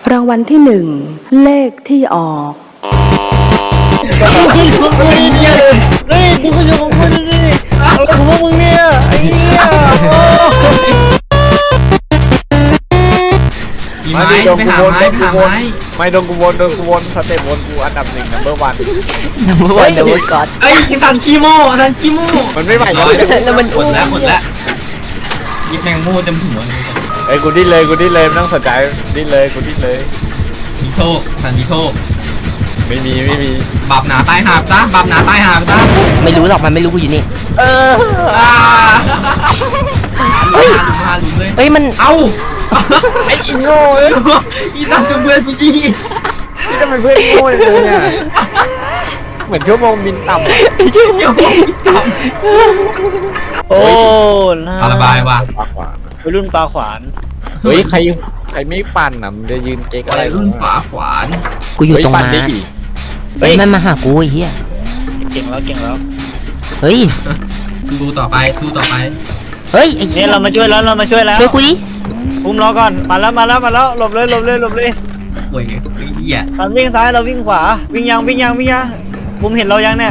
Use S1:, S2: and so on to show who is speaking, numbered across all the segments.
S1: รางวัลที่หนึ่งเลขที่ออก
S2: เฮ้ยกูก็อยู่ของกูดิอะไรของพวกมึงเนี่ยไอ้เหี้ย
S3: มีไม้ไปหาไม้ไปหาไม้
S4: ไม่โดนกูวนสเต็ปวนกูอันดับหนึ่งnumber one
S2: เดี๋ยวก่อน
S3: เอ้ยทันขี้โม่ทันขี้โม่
S4: มันไม่ไหว
S3: ร้อย
S2: แล้วมัน
S3: หมดแล้วยิบแมงโม่เต็มหัวเลย
S4: เอ้ยกูดิ้นเลยไม่ต้องสนใจดิ้นเลยกูดิ้นเลย
S3: มีโชคทันมีโชค
S4: ไม่มี
S3: บาปหนาตายหาบซะบาปหนาตายหาบซะ
S2: ไม่รู้หรอกมันไม่รู้กูอยู่นี่
S3: เฮ้ยมาหลุมเลย
S2: เฮ้ยมัน
S3: เอ้าไอ้อินโง่อีสัตว์เพื่อนพี่จี้
S4: นี่ทำไมเพื่อนโง่เลยเนี่ยเหมือนชั่วโมงบินต่ำ
S3: เดี๋ยวต่ำ
S2: โอ้
S3: ปลาระบายว่ะ
S4: ปากหวาน
S2: วัยรุ่นปลาขวาน
S4: เฮ้ยใครไม่ปั่นอ่ะมันจะยืนเก๊ก
S3: อะ
S4: อะไร ไร
S3: รุ่นฝาขวาน
S2: กูอยู่ตรง
S4: ปั่
S2: ม้า
S4: ดิ
S2: เฮ้ยมันมาหากูไอ้เหี้ย
S5: เก่งแล้ว
S2: เฮ้ย
S3: สู้ต่อไป
S2: เฮ้ยไอ้
S5: เนี่
S2: เหี้ย
S5: ยเรามาช่วยแล้ว
S2: ช่วยกูดิ
S5: อุ้มล้อก่อนมาแล้วหลบเลย
S3: โอ้ยไอ้เหี้ย
S5: ตอนวิ่งซ้ายเราวิ่งขวาวิ่งยังมุมเห็นเรายังเนี่ย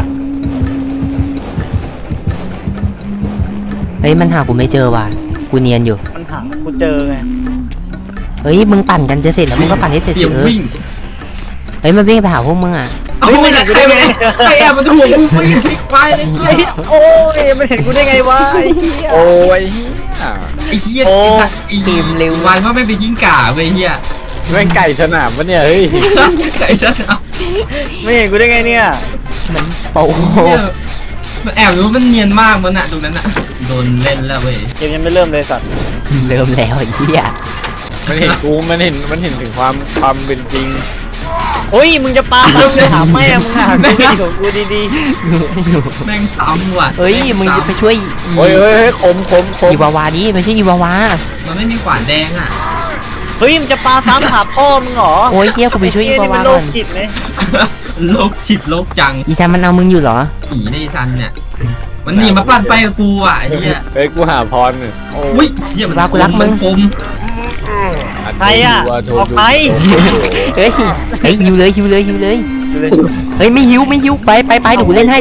S2: เฮ้ยมันหากูไม่เจอว่ะกูเนียนอยู่
S5: มันหากูเจอไง
S2: เฮ้ยมึงปั่นกันจะเสร็จแล้วมึงก็ปั่นให้เสร็จ
S3: เตรียม
S2: เออ
S3: วิ่ง
S2: เฮ้ยมันวิ่งไปหาพวกมึงอ่ะ
S3: เอาไม่ได้ใครแอบมาถูกกูไปไปเลย
S5: โอ้ยมันเห็นกูได้ไงวะไอ้เหี้ย
S4: โอ้ย
S3: ไอ้เหี้ยไอ้
S2: ทีมเร็ว
S3: วันว่าไม่ไปยิงก่าไปเหี้ย
S4: แม่งไก่สนามปะเนี่ยเฮ้ย
S3: ไอ้ฉันเอา
S5: ไม่เห็นกูได้ไงเนี่ย
S2: มันโป้
S3: มันแอบรู้มันเนียนมากมันอะตรงนั้นอะโดนเล่นแล้วเว้ย
S5: เกมยังไม่เริ่มเลยสัตว์
S2: เริ่มแล้วไอ้เหี้ย
S4: มันเห็นกูมันเห็นถึงความเป็นจริง
S5: โอ้ยมึงจะปาถามแม่มึงอ่ะกูดีของกูดี
S3: แม่งซ้ำว่ะ
S2: เฮ้ยมึงจะไปช่วย
S4: เฮ้ยคม
S2: อีวาวาดิไม่ใช่อีวาวา
S3: มันไม่มีขวานแดงอะ
S5: ๆเฮ้ยมึงจะปาซ้ำหาพ่อมึงเหรอ
S2: โอ้ยเหี้ยกูไปช่วยอี
S5: นี่
S2: วา
S5: มั
S2: วาน
S5: โร
S2: ก่อ
S5: คน จิตไหม
S3: โลกจิตโลกจัง
S2: อีจันมันเอามึงอยู่เหรอ
S3: ผีในทันเนี่ยมันหนีมาปั่นไฟกับกูอ่ะไอ้เหี้ย
S4: เฮ้ยกูหาพรเนี่ย
S3: อุ้ยเหี้ยมันคม
S5: ใครอ่ะออกไป
S2: เฮ้ยหิวเลยเฮ้ยไม่หิวไปเดี๋ยวกูเล่นให้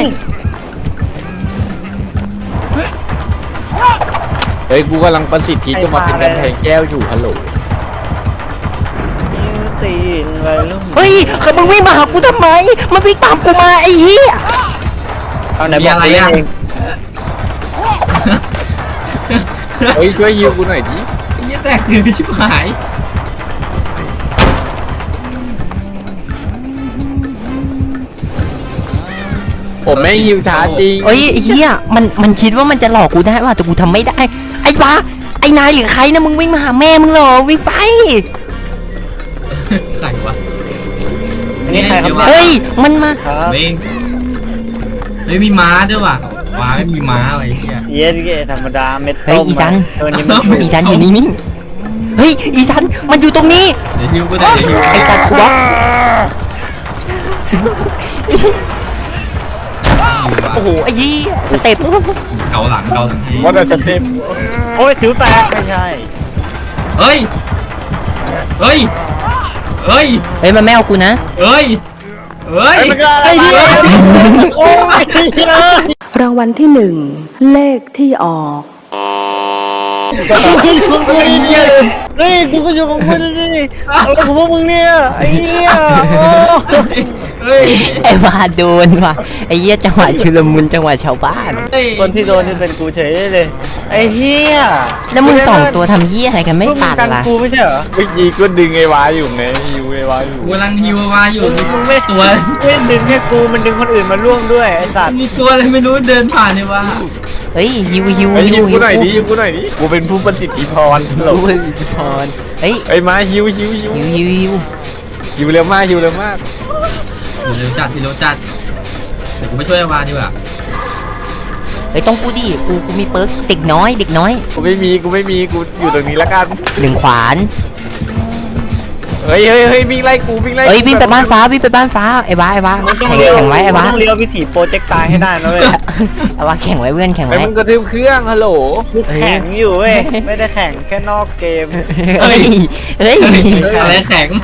S4: เฮ้ยกูกำลังประสิทธิ์ที่จะมาเป็นกำแพงแก้วอยู่ฮัลโหล
S5: ตีนไปลูก
S2: เฮ้ยมึงวิ่งมาหากูทำไมมันวิ่งตามกูมาไอ้เหี้ย
S5: เอาไหน
S3: มี
S5: บอก
S3: อะไร
S5: กูเล่น
S3: อ่ะ
S5: เอง
S4: เฮ้ยช่วยฮิวกูหน่อยดิ
S3: เหี้ยแตกคือชิบหาย
S4: ผมไม่ฮิวช้าจริง
S2: เฮ้ยไอ้เหี้ยมันคิดว่ามันจะหลอกกูได้ว่ะแต่กูทำไม่ได้ไอ้บ้าไอ้นายหรือใครนะมึงวิ่งมาหาแม่มึงเหรอวิ่งไป
S3: ใครวะ
S5: อันนี้ใครครับ
S2: เฮ้ยมันมา
S5: ครับ
S3: เองไม่มีม้าด้วยว่ะว้าไม่มีม้าอะไรเงี้ย
S5: เย็นๆธรรมดาเม็ด
S2: เฮ้ย
S5: ต้ม
S2: อีจัน
S5: เออนี่มัน
S2: อีจันอยู่นี่เฮ้ยอีจันมันอยู่ตรงนี้
S3: เดี๋ยวฮิวก็ได้เดี๋ยวฮิว
S2: ไอ้จันกูบล็อกโอ้โหไอ้ยี่สเต็ป
S3: เกาหลังให้
S4: ว่าแต่สเต็ป
S5: โอ้ยถือแตกไม่ใช่
S3: เฮ้ยเฮ้ย
S2: เฮ้ยมันไม่เอากูนะ
S3: เฮ้ย
S5: ไอ้เหี้ยโอ้ยเลย
S1: รางวัลที่หนึ่งเลขที่ออก
S5: เฮ้ยกูก็อยู่ของกูดิอะไรของพวกมึงเนี่ยไอ้เหี้ย
S3: เฮ้ย
S2: ไอ้วาโดนว่ะไอ้เหี้ยจังหวะชุลมุนจังหวะชาวบ้าน
S5: คนที่โดนที่เป็นกูเฉยเลยไอ้เหี้ย
S2: แล้วมึงสองตัวทำเหี้ยอะไรกันไม่
S5: พวกมึ
S2: ปั
S5: ง
S2: ด
S5: กัน
S2: ล่ะ
S5: กูไม่ใช่เหรอ
S4: เมื่อกี้ก็ดึงไอ้วาอยู่ไงฮิวไอ้วาอยู่
S3: กำลังฮิวมาอยู่
S5: มึงไม่
S3: ตัว
S5: ไม่ดึงแค่กูมันดึงคนอื่นมาร่วมด้วยไอ้สัตว์
S3: มีตัวอะไรไม่รู้เดินผ่านเนี่ยว่ะ
S2: เฮ้ยฮิว
S4: เฮ้ยฮิวกูหน่อยดิกูเป็นผู้ประสิทธิพรฮัลโหล
S2: ฮิวพรเฮ้ย
S4: ไอ้มาฮิว
S2: ฮิว
S4: ฮิวเร็วมาก
S3: เร็วจัดเดี๋ยวกูไปช่วยวาดีกว่า
S2: เฮ้ยต้องกูดิกูมีเปิร์กเด็กน้อย
S4: กูไม่มีกูอยู่ตรงนี้ละกัน
S2: หนึ่งขวาน
S4: เฮ้ฮ้ยวิ่งไล่กูวิ่งไล่
S2: เอ้ยวิ่งไปบ้านฟ้าวิ่งไปบ้านฟ้าไอ้บ้าแข่งไว้ไอ้บ้า
S5: ต้องเลี้ยววิถีโปรเจกต์ตายให้ได้นะเว้ย
S2: ไอ้บ้าแข่งไว้เพื่อนแข่ง
S4: ไอ้
S2: ไว้
S4: มึงกระทืบเครื่องฮัลโหล
S5: แข่งอยู่เว้ยไม่ได้แข่งแค่นอกเกม
S2: เฮ้ย
S3: อะไรแข็ง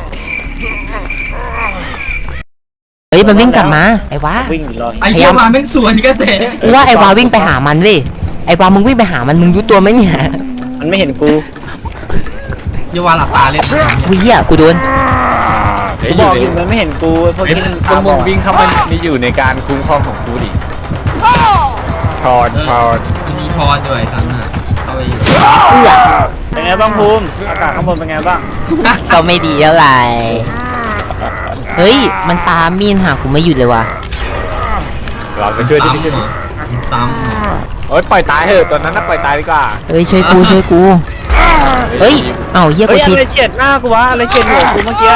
S2: เฮ้ยมันวิ่งกลับมาไอ้บ้า
S5: วิ่งรอ
S3: ไอ้เหี้ยมาแม่งสวนกระแส
S2: กูว่าไอ้วาวิ่งไปหามันเว้ยไอ้วามึงวิ่งไปหามันมึงรู้ตัวไหมเนี่ย
S5: มันไม่เห็นกู
S3: เยาวาหลับตาเล่น
S2: กูเหี้ยกูโดน
S5: กูบอกอยู่มันไม่เห็นกูพวก
S4: ไอ้
S5: นี้มัน
S4: พวกมึงวิ่งเข้ามานี่อยู่ในการคุ้มครองของกูดิถอด
S3: มีพรด้วยทั้งน่ะเข้าไป
S5: เป็นไงบ้างภูมิอากาศข้างบนเป็นไงบ้าง
S2: ก็ไม่ดีเท่าไหร่เฮ้ยมันตามมีนหากูไม่หยุดเลยว่ะ
S4: เราไปช่วยดิ
S3: ซ้
S4: โอ๊ยปล่อยตายเถอะตอนนั้นน่ะปล่อยตายดีกว่า
S2: เฮ้ยช่วยกูเฮ้ยเอ้าเหี้ย
S5: เฮ้
S2: กู
S5: ย
S2: ผิด
S5: อะไรเฉียดหน้ากูวะอะไรเฉียดหัวกูเมื่อกี้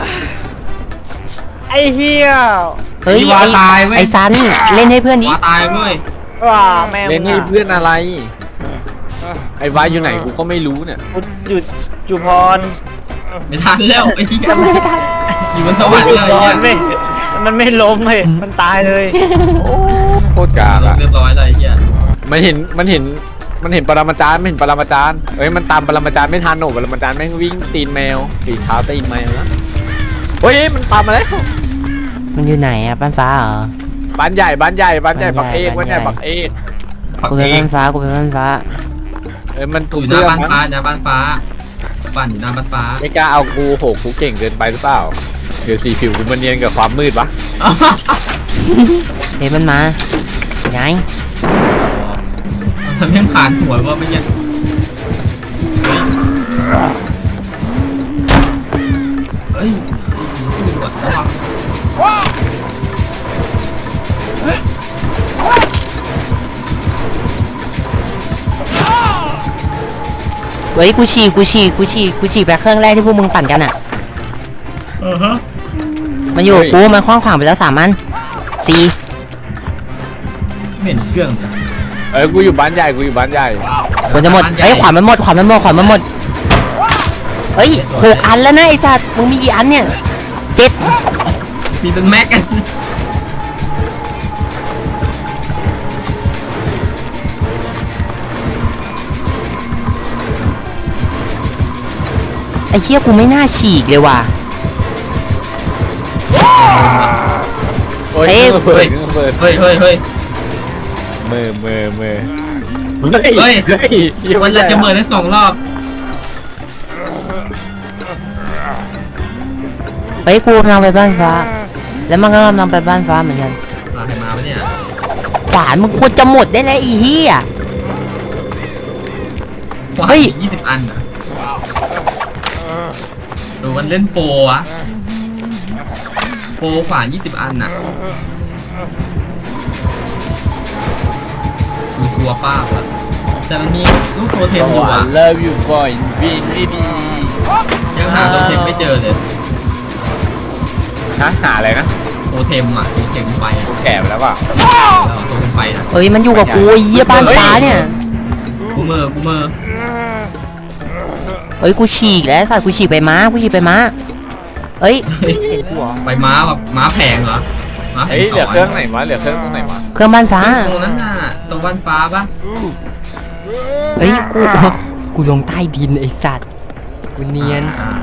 S5: ไอ้เหี้ย
S2: เฮ้ยไอ้ซันเล่นให้เพื่อน
S3: ำ
S2: ดิ
S3: วาตายเว้ย
S5: ว้าแม่ง
S4: เล่นให้เพื่อนอะไร ไอ้วายอยู่ไหนกูก็ไม่รู้เนี่ย
S5: กูอยู่พร
S3: ไม่ทันแล้วไอ้ที่อยู่บนสวรรค์
S5: อยู่
S3: เลย
S5: พรไม่มันไม่ล้มเลยมันตายเลย
S4: โคตรกากอะ
S3: เรียบร้อยเลยไอ้เหี้ย
S4: มันเห็นปรมาจารย์ไม่เห็นปรมาจารย์เฮ้ยมันตามปรมาจารย์ไม่ทันหนูปรมาจารย์แม่งวิ่งตีนแมวตีเท้าตีนแมวแล้วเฮ้ยมันตามมาแล้ว
S2: มันอยู่ไหนอะบ้านฟ้าเหรอ
S4: บ้านใหญ่บักเอกบ้านใหญ่บักเอก
S3: ผัก
S2: กูไป
S3: เอง
S2: บ้านฟ้ากูไปบ้านฟ้า
S4: เอ้ยมัน
S3: อ
S4: ถูก
S3: ยู่ห
S4: เรื่
S3: น้า
S4: อง
S3: บ้าน
S4: มั้ง
S3: ฟ้าหน้าบ้านฟ้าปั่นอยู่หน้าบ้านฟ้า
S4: ไม่กล้าเอากูโหกูเก่งเกินไปหรือเปล่าเดี๋ยวสีผิวกูมันเนียนกับความมืดวะ
S2: เฮ้ยมันมาไง
S3: มันแม่งผ่านหัวว่าไม่ยังเฮ้ยตรวจระวัง
S2: เฮ้ยกูฉี่ไปเครื่องแรกที่พวกมึงปั่นกันอะมันอยู่กับกูมันคว้างขวางไปแล้ว3 อัน
S3: ไม่เห็นเครื่องเลย
S4: เอ้ยกูอยู่บ้านใหญ่
S2: ควรจะหมดเฮ้ยขวานมันหมดเฮ้ย6 อันแล้วนะไอ้สัตว์มึงมีกี่อันเนี่ย7
S3: มีเป็นแม็กกัน
S2: ไอ้เชี่ยกูไม่น่าฉีกเลยว่ะ
S4: โอ้ย
S2: เฮ้ย
S4: เปิด
S3: เฮ้ย
S4: มือ
S3: เฮ้ย
S4: หี้ย
S3: วันละจะเหมือนได้2 รอบ
S2: เฮ้ยกูกำลังไปบ้านฟ้า แล้วมันก็กำลังไปบ้านฟ้าเหมือนกัน
S3: ลาใครมาปะเนี่ย
S2: ขวานมึงควรจะหมดได้แล้วไอีเหี้ย
S3: ขวาน
S2: เฮ้ย
S3: 20 อันอ่ะดูมันเล่นโปรอะโปรขวาน20 อันน่ะมีชัวร์ป้าบอะแต่มันมีลูกโทเทมอยู่อะ
S4: love you boy baby
S3: ยังหาโทเทมไม่เจอเลย
S4: นะหาอะไรนะ
S3: โทเทมอะโทเทมไฟอะ
S4: แก่ไปแล้วเปล่า
S3: โทเทมไฟนะ
S2: เอ้ยมันอยู่กับกูไอ้เหี้ยบ้านฟ้าเนี่ย
S3: กูเมอร์
S2: เฮ้ยกูฉีกแล้วไอ้สัตว์กูฉีกไปม้าเฮ้ย
S3: เฮ้ย
S2: เห็นกูเหรอ
S3: ไปม้าแบบม้าแพงเหรอม้าแพ
S4: เฮ้
S3: ง
S4: ยเหลือเครื่องไหนวะเหลือเครื่องตรงไหนวะ
S2: เครื่องบ้านฟ้า
S3: ตรงนั้นน่ะตรงบ้านฟ้าปะ
S2: เฮ้ยกูลงใต้ดินไอ้สัตว์กูเนียน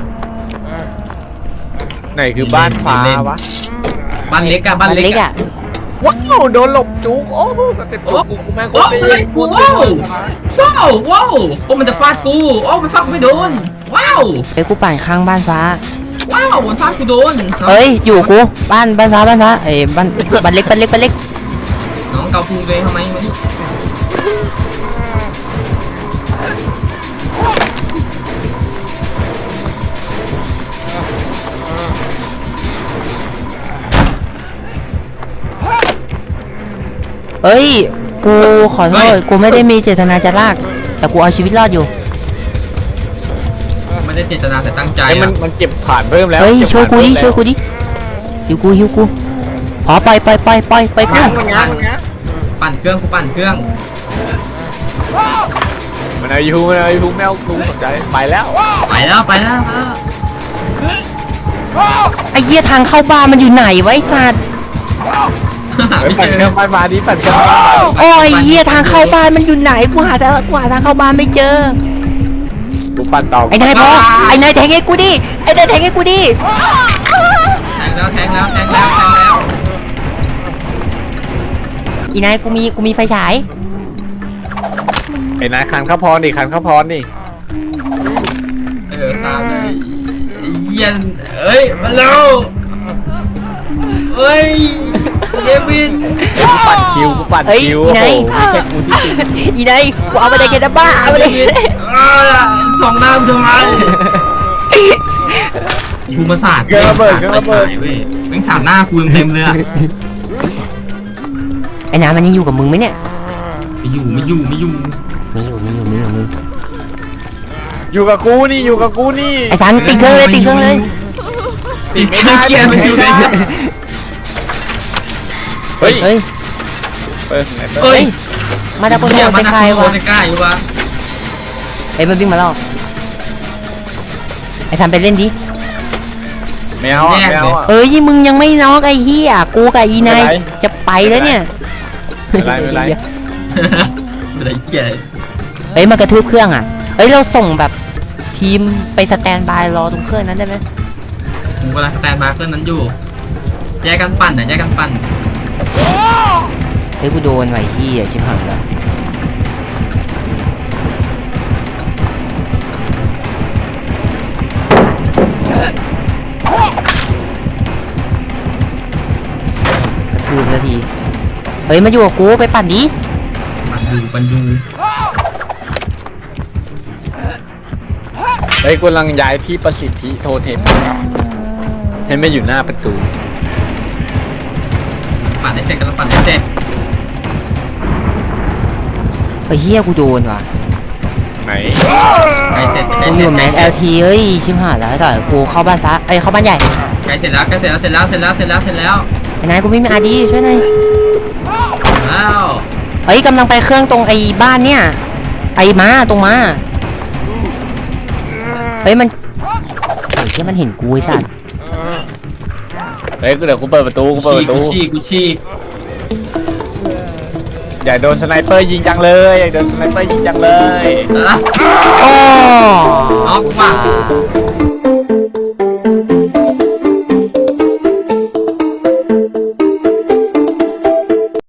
S4: ไหนคือบ้านฟ้าวะ
S3: บ้านเล็กอะบ้านเล็กอะ
S4: ว้าวโดนหลบจุกโอ้สเต็ปจุกกูแม่งโคตรดี
S3: ว้าวโอ้มันจะฟาดกูโอ้มันฟาดกูไม่โดนว้าว
S2: เฮ้ยกูปั่นข้างบ้านฟ้า
S3: มันฟาดกูโดน
S2: เฮ้ยอยู่กูบ้านฟ้าเอ้ยบ้านเล็ก
S3: น้องเกาพุงตัวเองทำไมวะนี่
S2: เอ้ยกูขอโทษกูไม่ได้มีเจตนาจะลาก แต่กูเอาชีวิตรอดอยู่
S3: ไม่ได้เจตนาแต่ตั้งใจ
S4: ไอ้มัน
S3: อะ
S4: มันเก็บผ่านเพิ่มแล้ว
S2: เฮ้ย
S4: เก็บ
S2: ช่วยกูดิ
S4: ผ่านเพิ่มแล้ว
S2: หิวกูขอไปเพื่อน
S4: มันง้าง
S3: ปั่นเครื่องกูปั่นเครื่อง
S4: มันเอายูแมวกูสนใจไปแล้ว
S3: ไปแล้ว
S2: ไอ้เหี้ยทางเข้าบ้านมันอยู่ไหนวะไอ้สัตว์
S4: เฮ้ยปั่นเครื่องไฟฟ้าดิปั่นเครื่องไฟฟ้า
S2: โอ้ยเหี้ยทางเข้าบ้านมันอยู่ไหนกูหาทางเข้าบ้านไม่เจอ
S4: กูปั่นต่อ
S2: ไอ้นายพอไอ้นายแทงให้กูดิไอ้นายแทงให้กูดิ
S3: แทงแล้ว
S2: อีนายกูมีไฟฉาย
S4: ไอ้นายคันข้าวพรดิคันข้าวพรดิ
S3: ตามเลยเย็นเอ้ยมาแล้วเอ้ยเดวิน
S4: กูปั่นคิวกูปั่น
S2: เฮ้ย
S4: คิว
S2: อี
S4: โอ้
S2: นาย
S4: โหมีแค่กูที่จริง
S2: อีนายกูเอาไปได้แค่ดับบ้าเอาไปได้
S3: สองน้ำทำไมกูมาสาดเว้ยแม่งสาดหน้ากูเต็มเลยอะ
S2: ไอ้น้ำมันยังอยู่กับมึงไหมเนี่ย
S3: ไม่อยู่
S2: มีอยู่
S4: อยู่กับกูนี่อยู่กับกูนี่
S2: ไอ้สันติดเครื่องเลย
S3: ติดไม่ได้เกียร์มันอยู่ใน
S4: เฮ้ย
S2: เฮ้ย
S3: เอ้ย
S2: มาดาโปโนใส่ใครวะ
S3: ใกล้อยู่วะ
S2: ไอ้มันวิ่งมาแล้วไอ้สันไปเล่นดิ
S4: แมวอ่ะแมวอ่ะ
S2: เอ้ยมึงยังไม่น็อกไอ้เหี้ยกูกับอีนาย
S4: ไม่เป็นไร
S2: จะไปแล้วเนี่ย
S4: ไม่เป็นไร
S3: อะไรเกียร์
S2: เฮ้ยมากระทืบเครื่องอ่ะเฮ้ยเราส่งแบบทีมไปสแตนบายรอตรงเครื่องนั้นได้ไหม
S3: ผมกำลังสแตนบายเครื่องนั้นอยู่แยกกันปั่นแยกกันปั่น
S2: เฮ้ยกูโดนไว้ที่ชิบหายแล้วกระทืบสักทีเฮ้ยมาอยู่กับกูไปปั่นดิ
S3: ปั่นดู
S4: เฮ้ยกูกำลังย้ายที่ประสิทธิโทเทมให้ไม่อยู่หน้าประตู
S3: ปั่นได้เสร็จกันปั่นได้เสร็จ
S2: ไอ้เหี้ยกูโดนว่ะ
S4: ไหน
S3: ใกล้เสร็จ
S2: กูอยู่แมส LT เฮ้ยชิบหายแล้วต่อยกูเข้าบ้านฟ้าเข้าบ้านใหญ่
S3: ใกล้เสร็จแล้ว
S2: ไอ้นายกูไม่มีอาดีช่วยหน่อย
S3: แล้ว
S2: เฮ้ยกำลังไปเครื่องตรงไอ้บ้านเนี่ยไอ้ม้าตรงม้าเฮ้ยมันเฮ้ยที่มันเห็นกูไอ้สัส
S4: เฮ้ยเดี๋ยวกูเปิดประตูกูเปิดประตู
S3: กูชี้
S4: อยากโดนสไนเปอร์ยิงจังเลยอยากโดนสไนเปอร์ยิงจังเลย
S3: อ่ะ
S2: โอ้
S3: น็อกว่ะ